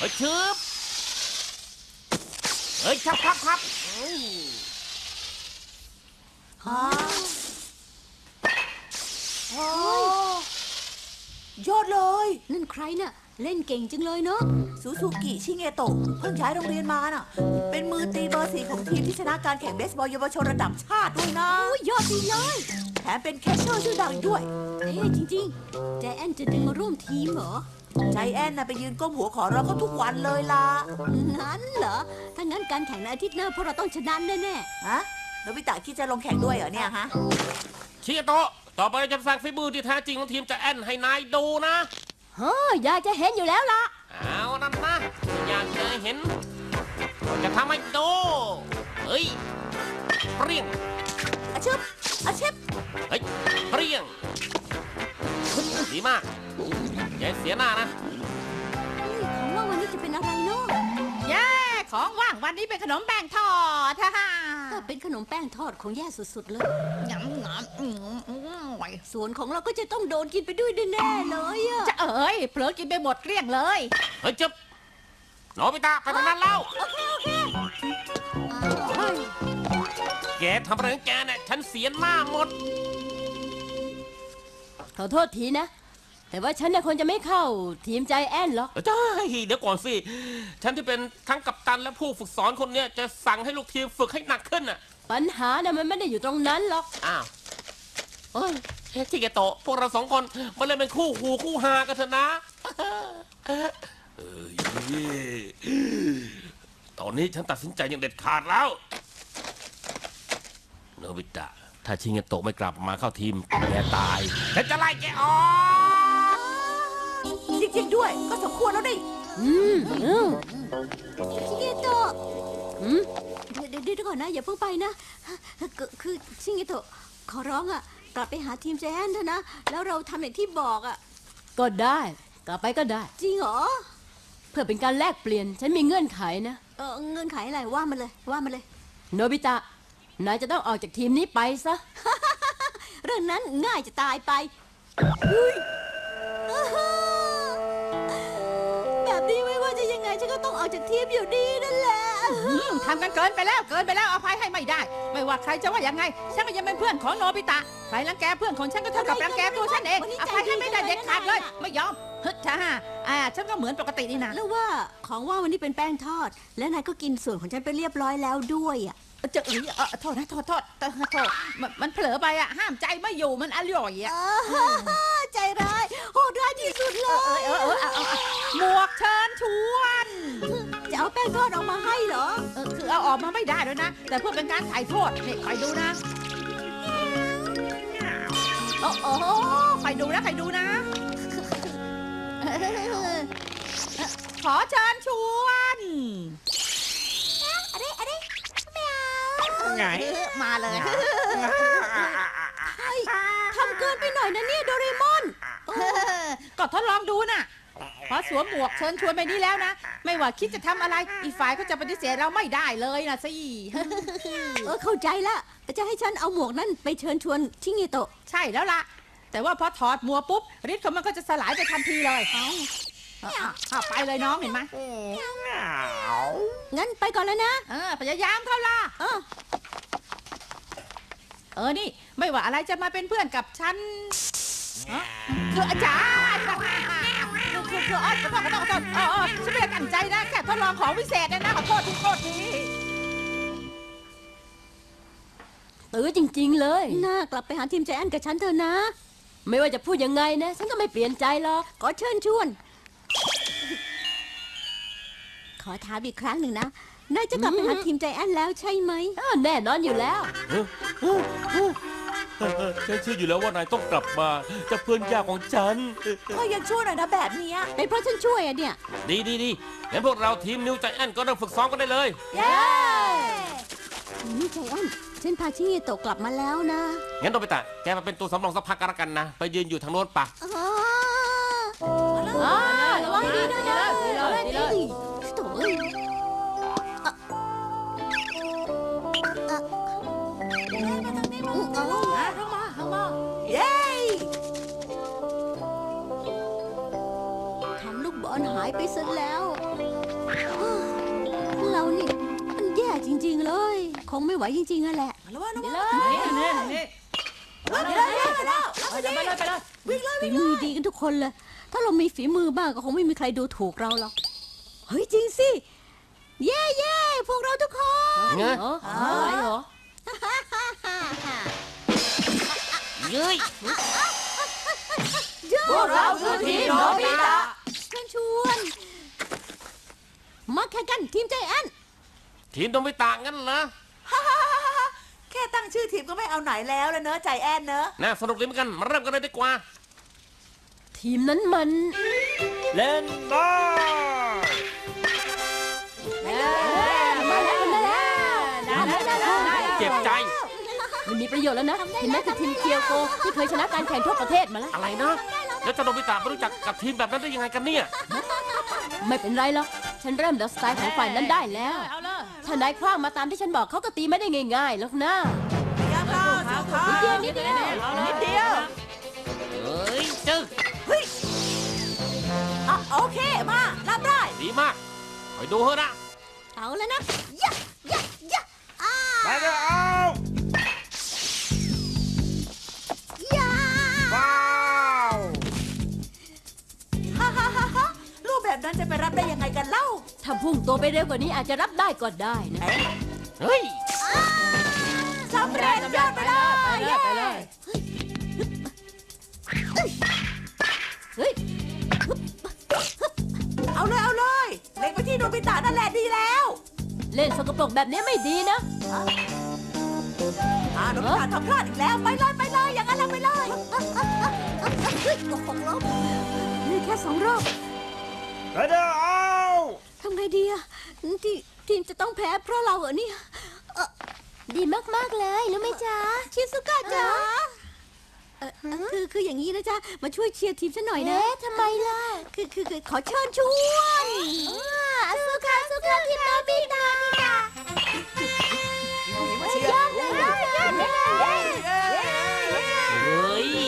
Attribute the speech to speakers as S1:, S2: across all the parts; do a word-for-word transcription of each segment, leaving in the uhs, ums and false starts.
S1: ฮ้ยชึบเฮ้ยชับครับครับ
S2: ฮะโอ้ยอดเลย
S3: นั่นใครน่ะเล่นเก่งจังเลยเนาะ
S2: ซูซูกิชิเงโตะเพิ่งย้ายโรงเรียนมาน่ะ เป็นมือตีเบอร์สี่ของทีมที่ชนะการแข่งเบสบอลเยาวชนระดับชาติด้วยนะ
S3: โอ้ยยอดดีเลย
S2: แถมเป็นแคชเชอร์ชื่อดังด้วย
S3: เอ๊ะจริงๆใจแอนจะดึงมาร่วมทีมเหรอ
S2: ใจแอนน่ะไปยืนก้มหัวขอร้องเขาทุกวันเลยล่ะ
S3: งั้นเหรอถ้างั้นการแข่งในอาทิตย์หน้าพวกเราต้องชนะแน่
S2: ฮะโนบิตะคิดจะลงแข่งด้วยเหรอเนี่ยฮะ
S1: ชิเกโตะต่อไปจะสร้างฝีมือที่แท้จริงของทีมจะแอนให้นายดูนะ
S3: ๆเฮ้ยอยากจะเห็นอยู่แล้วล่ะ
S1: เอานั่นนะอยากจะเห็นจะทำให้ดูเฮ้ยเปรี้ยง
S2: อาชิบอาชิบ
S1: เฮ้ยเปรี้ยงดีมากอย่าเสียหน้านะ
S3: เฮ้ยของว่าวันนี้จะเป็นอะไรเนาะ
S4: เย้ของว่างวันนี้เป็นขนมแป้งทอดฮ่าฮ่า
S3: ถ้าเป็นขนมแป้งทอดคงแย่สุดๆเลย
S4: หยำหยำอืมอืมไหว
S3: ส่วนของเราก็จะต้องโดนกินไปด้วยแน่ๆเลยอะ
S4: จะเอ๋ยเผลอกินไปหมดเกลี้ยงเลย
S1: เฮ้ยจับโนบิตะไปทางนั้นแล้ว
S3: โอเคโอเคอ้าว
S1: แกทำอะไรของแกเนี่ยฉันเสียหน้าหมด
S3: ขอโทษทีนะ แต่ว่าฉันเนี่ยคนจะไม่เข้าทีมใจแอนหรอก
S1: ใช่เดี๋ยวก่อนสิ ฉันที่เป็นทั้งกัปตันและผู้ฝึกสอนคนเนี้ยจะสั่งให้ลูกทีมฝึกให้หนักขึ้นอ่ะ
S3: ปัญหาน่ะมันไม่ได้อยู่ตรงนั้นหรอก
S1: อ้าวเฮ้ยชิเกโตะพวกเราสองคนมาเล่นเป็นคู่หูคู่หากันเถอะนะเอ้ยตอนนี้ฉันตัดสินใจอย่างเด็ดขาดแล้วโนบิตะถ้าชิเกโตะไม่กลับมาเข้าทีมแกตายฉันจะไล่แกออก
S2: จริงๆด้วยก็สมควรแล้วดิ
S3: อืมอืมชิเกโตะอืมเดี๋ยวเดี๋ยวก่อนนะ อย่าเพิ่งไปนะคือคือชิเกโตะขอร้องอ่ะ กลับไปหาทีมใจแอนเถอะนะ แล้วเราทำอย่างที่บอกอ่ะ ก็ได้ กลับไปก็ได้ จริงเหรอ เพื่อเป็นการแลกเปลี่ยน ฉันมีเงื่อนไขนะ เออเงื่อนไขอะไรว่ามันเลยว่ามันเลย โนบิตะ นายจะต้องออกจากทีมนี้ไปซะ เรื่องนั้นง่ายจะตายไป แบบนี้ไม่ว่าจะยังไงฉันก็ต้องออกจากทีมอยู่ดีนั่นแหละ
S4: อืมทำกันเกินไปแล้วเกินไปแล้วอภัยให้ไม่ได้ ไม่ว่าใครจะว่ายังไงฉันก็ยังเป็นเพื่อนของโนบิตะใครรังแกเพื่อนของฉันก็เท่ากับรังแกตัวฉันเองอภัยให้ไม่ได้เด็ดขาดเลยไม่ยอมฮึดจ้าอ่าฉันก็เหมือนปกตินี่นะ
S3: แล้วว่าของว่าวันนี้เป็นแป้งทอด และนายก็กินส่วนของฉันไปเรียบร้อยแล้วด้วยอ่ะ
S4: จะเอ้ยเออโทษนะโทษโทษโทษโทษมันมันเผลอไปอ่ะห้ามใจไม่อยู่มันอร่อยอ่ะ
S3: ใจร้ายโหดร้ายที่สุดเล
S4: เออย เออเออเอาเอาเอาหมวกเชิญชวน
S3: จะเอาแป้งทอดออกมาให้เหรอ
S4: เออคือเอาออกมาไม่ได้ด้วยนะ แต่เพื่อเป็นการถ่ายโทษนี่คอยดูนะโอ้โหคอยดูนะคอยดูนะ ขอเชิญชวน
S3: อะไรอะไรไม่เอา
S1: ไง
S4: เออมาเลย
S3: เฮ้ยทำเกินไปหน่อยนะเนี่ยโดเรมอน
S4: เออก็ทดลองดูน่ะพอสวมหมวกเชิญชวนไปนี้แล้วนะ ไม่ว่าคิดจะทำอะไร อีกฝ่ายก็จะปฏิเสธเราไม่ได้เลยนะสิ
S3: เออเข้าใจละแต่จะให้ฉันเอาหมวกนั่นไปเชิญชวนชิเงโตะ
S4: ใช่แล้วล่ะ แต่ว่าพอถอดหมวกปุ๊บฤทธิ์ของมันก็จะสลายไปทันทีเลยเอาเอาเอาไปเลยน้องเห็นไหม
S3: งั้นไปก่อนแล้วนะ
S4: เออพยายามเข้าล่ะ
S3: เออ
S4: เออนี่ไม่ว่าอะไรจะมาเป็นเพื่อนกับฉันเอ้อคืออาจารย์คือคือคืออ๋อขอโทษขอโทษขอโทษเออเออฉันไม่ได้ตั้งใจนะแค่ทดลองของพิเศษนะนะขอโทษทุกโทษที
S3: ตื้อจริงๆเลย น่ากลับไปหาทีมใจแอนกับฉันเถอะนะ ไม่ว่าจะพูดยังไงนะ ฉันก็ไม่เปลี่ยนใจหรอก ขอเชิญชวน ขอถามอีกครั้งหนึ่งนะ นายจะกลับไปหาทีมใจแอนแล้วใช่ไหมแน่นอนอยู่แล้ว
S1: ฉันเชื่ออยู่แล้วว่านายต้องกลับมาจากเพื่อนยากของฉัน
S2: ก็ยังช่วยหน่อยนะแบบเนี้ย
S3: เป็นเพราะฉันช่วยอะเนี่ย
S1: ดีดีดีงั้นพวกเราทีมนิวใจแอนก็เริ่มฝึกซ้อมกันได้เลย
S2: เย้
S3: นี่ใจแอนฉันพาชิเงโตะกลับมาแล้วนะ
S1: งั้นโนบิตะแกมาเป็นตัวสำรองสักพักกันละกันนะ ไปยืนอยู่ทางโน้นปะ
S3: อ๋ออ๋อระวังดีด้วยนะระวังดีโถ่เอ้ยอ่ะอ่ะเอา
S4: เข้ามาเข้ามา
S2: เย้
S3: ทำลูกบอลหายไปซะแล้วงไม่ไหวจริงๆอะแหละ
S2: ระวังระ
S3: ไป
S2: วัง
S3: เลย
S4: นี่นี่นี่
S2: ไปเลยไปเลย
S4: เอาไปเลยไปเลย
S2: วิ่งเลย
S3: ฝีมือดีกันทุกคนเลย ถ้าเรามีฝีมือบ้างก็คงไม่มีใครดูถูกเราหรอก เฮ้ยจริงสิ เย่เย่พวกเราทุกคน
S1: ไง
S3: เหรออะไรเหรอ
S1: เย้ย
S2: พวกเราคือทีมโนบิตะ
S3: ชวนชวนมาแข่งกันทีมใจแอน
S1: ทีมโนบิตะงั้นเหรอ
S2: แค่ตั้งชื่อทีมก็ไม่เอาไหนแล้วแล้วเนอะใจแอนเนอะ
S1: น่าสนุกดีเหมือนกัน มาเริ่มกันเลยดีกว่า
S3: ทีมนั้นมัน
S5: เล่นบอล
S3: มาแล้วมาแล้วมาแล้ว
S1: เจ็บใจ
S3: มันมีประโยชน์แล้วนะเห็นไหมคือทีมเกียวโกที่เคยชนะการแข่งทั่วประเทศมาแล้ว
S1: อะไรนะ แล้วเจะโนบิตะไม่รู้จักกับทีมแบบนั้นได้ยังไงกันเนี่ย
S3: ไม่เป็นไรหรอกฉันเริ่มเดาสไตล์ของฝ่ายนั้นได้แล้ว
S4: เอาเลย
S3: ถ้านายคว้างมาตามที่ฉันบอกเขาก็ตีไม่ได้ง่ายๆหรอกนะ
S2: พยายามเข้าสู้เขา
S3: นิดเดียวนิดเดียว
S2: นิดเดียว
S1: เฮ้ยจึ๊ก
S2: เฮ้ยอ่ะโอเคมารับได้
S1: ดีมากคอยดูเถอะนะ
S3: เอาแล้วนะยะยะยะอ้า
S5: ไปเถอะเอา
S3: ยะ
S5: ว้าว
S2: ฮ่าฮ่าฮ่าฮ่ารูปแบบนั้นจะไปรับได้ยังไงกันเล่า
S3: ถ้าพุ่งตัวไปเร็วกว่านี้อาจจะรับได้ก็ได้นะ
S1: เฮ้ย
S2: สำเร็จยอดไปเลย
S4: ไปเลยไปเลย
S3: เฮ้ย
S2: เอาเลยเอาเลยเล็งไปที่โนบิตะนั่นแหละดีแล้ว
S3: เล่นสกปรกแบบนี้ไม่ดีนะ
S2: อ่าโนบิตะทำพลาดอีกแล้วไปเลยไปเลยอย่างนั้นเราไปเลย
S3: เฮ้ยตกหกรอบนี่แค่สองรอบ
S5: ไปเถอะเอา
S3: ทำไงดีอะทีทีมจะต้องแพ้เพราะเราเหรอเนี่ยเอ่อดีมากๆเลยรู้ไหมจ๊ะชิซุกะจ๊ะเอ่อเอ่อคือคืออย่างนี้นะจ๊ะมาช่วยเชียร์ทีมฉันหน่อยนะทำไมล่ะคือคือคือขอเชิญชวนสุกะสุกะทีมโนบิตะ
S2: เชียร์
S3: เลยยอดเลย
S1: เฮ้ย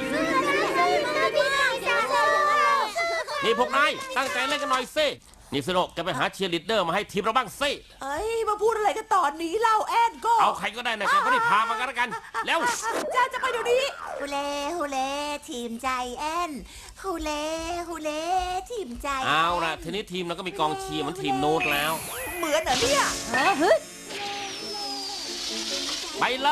S1: นี่พวกนายตั้งใจเล่นกันหน่อยสินี่สโนกแกไปหาเชียร์ลีดเดอร์มาให้ทีมเราบ้างสิ
S2: เอ้ยมาพูดอะไรกันตอนนี้เล่าแอนก็
S1: เอาใครก็ได้นะแกไม่ได้พามากันแล้วกัน แล้ว
S2: จ้าจะไปเดี๋ยวนี้
S6: ฮูเล่ฮูเล่ทีมใจแอนฮูเล่ฮูเล่ทีมใจ
S1: เอาละทีนี้ทีมเราก็มีกองเชียร์เหมือนทีมโน้ตแล้ว
S2: เหมือนเหรอเนี่ย
S3: เออเฮ้ย
S1: ไปเลย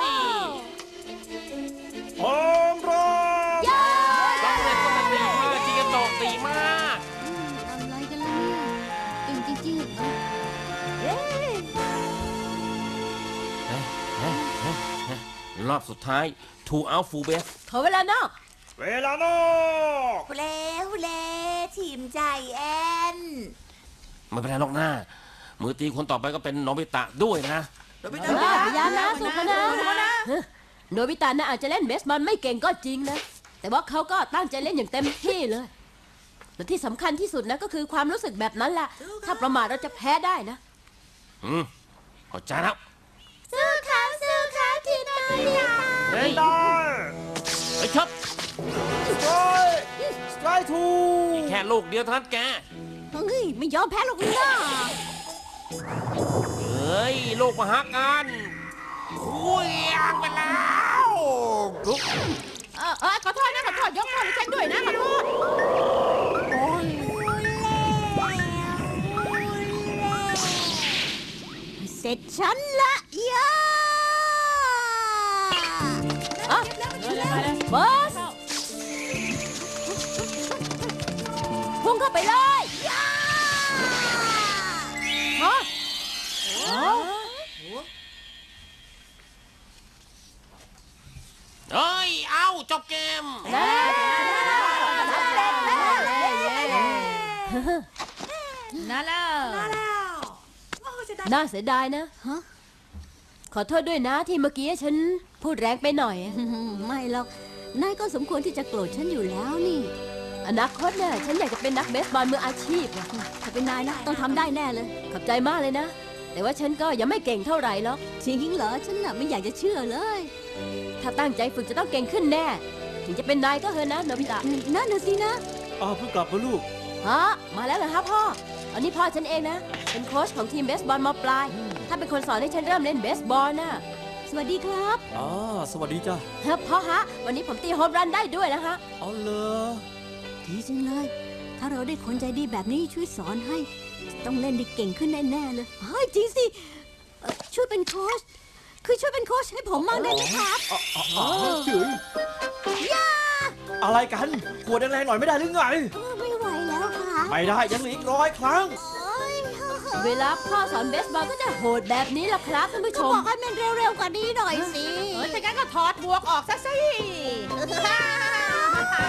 S5: โฮมรัน
S1: ต้องเล่นก็มันดีมากจิงโตะดีมาก
S3: อะไรกันล่ะเนี่ยจริงจริง
S1: รอบสุดท้าย two out full base
S3: ขอเวลานอก
S5: เวลานอก
S6: ฮูเล่ฮูเล่ทีมใจแอน
S1: ไม่เป็นไรหรอกหน้า มือตีคนต่อไปก็เป็นโนบิตะด้วยนะ
S2: โนบิ
S3: เอ
S2: ตะ
S3: อพยายามนะสุขนะเฮ้ยโนบิตะนะอาจจะเล่นเบสบอลไม่เก่งก็จริงนะ แต่ว่าเขาก็ตั้งใจเล่นอย่างเต็มที่เลย และที่สำคัญที่สุดนะก็คือความรู้สึกแบบนั้นแหละ ถ้าประมาทเราจะแพ้ได้นะ
S1: อืมเข้าใจแล้ว
S3: สู้เขาสู้เขาทีมโนบิตะ
S1: เฮ้ย
S5: ได้
S1: เฮ้ยชับ
S5: สไตร์สไตร์ทู
S1: แค่ลูกเดียวเท่านั้นแก
S3: เฮ้ยไม่ยอมแพ้หรอกนะ
S1: เฮ้ย ลูกมหาการคุยงไปแล้วลุก
S4: เออเออขอโทษนะขอโทษยกโทษให้ฉันด้วยนะขอโทษ
S3: เสร็จฉันละยาอ่ะบอสพุ่งเข้าไปเลยยาฮะ
S1: เฮ้ย เอาจบเกม
S4: นั่นแล้ว
S2: มาแล้วโอ้จะได้
S3: น่าเสียดายนะฮะขอโทษด้วยนะที่เมื่อกี้ฉันพูดแรงไปหน่อย ไม่หรอก นายก็สมควรที่จะโกรธฉันอยู่แล้วนี่ อนาคตเนี่ยฉันอยากจะเป็นนักเบสบอลมืออาชีพอะถ้าเป็นนายนะต้องทำได้แน่เลย ขอบใจมากเลยนะ แต่ว่าฉันก็ยังไม่เก่งเท่าไหร่หรอกจริงเหรอ ฉันน่ะไม่อยากจะเชื่อเลย ถ้าตั้งใจฝึกจะต้องเก่งขึ้นแน่ ถึงจะเป็นนายก็เถอะนะโนบิตะนั่นน่ะสินะ
S5: อ้าวเพิ่งกลับมาลูก
S3: ฮะมาแล้วเหรอฮะพ่ออันนี้พ่อฉันเองนะ เป็นโค้ชของทีมเบสบอลมปลาย ถ้าเป็นคนสอนให้ฉันเริ่มเล่นเบสบอลน่ะ สวัสดีครับ
S7: อ่าสวัสดีจ้ะ
S3: เฮ้ยพ่อฮะ วันนี้ผมตีโฮมรันได้ด้วยนะฮะ
S7: เอาเลย
S3: ดีจังเลย ถ้าเราได้คนใจดีแบบนี้ช่วยสอนให้ ต้องเล่นได้เก่งขึ้นแน่ๆเลยเฮ้ยจริงสิเอ่อช่วยเป็นโค้ช คือช่วยเป็นโค้ชให้ผมมั่งได้ไหมครับ
S7: อ๋อเจ๋ยอะไรกันกวดแรงๆหน่อยไม่ได้หรือไง
S3: ไม่ไหวแล้วค่ะ
S7: ไม่ได้ยังเหลืออีกร้อยครั้ง
S3: เวลาพ่อสอนเบสบอลก็จะโหดแบบนี้ล่ะครับท่านผู้ชม บอกให้มันเร็วๆกว่านี้หน่อยสิ
S4: เออถ้างั้นก็ถอดหมวกออกซะสิ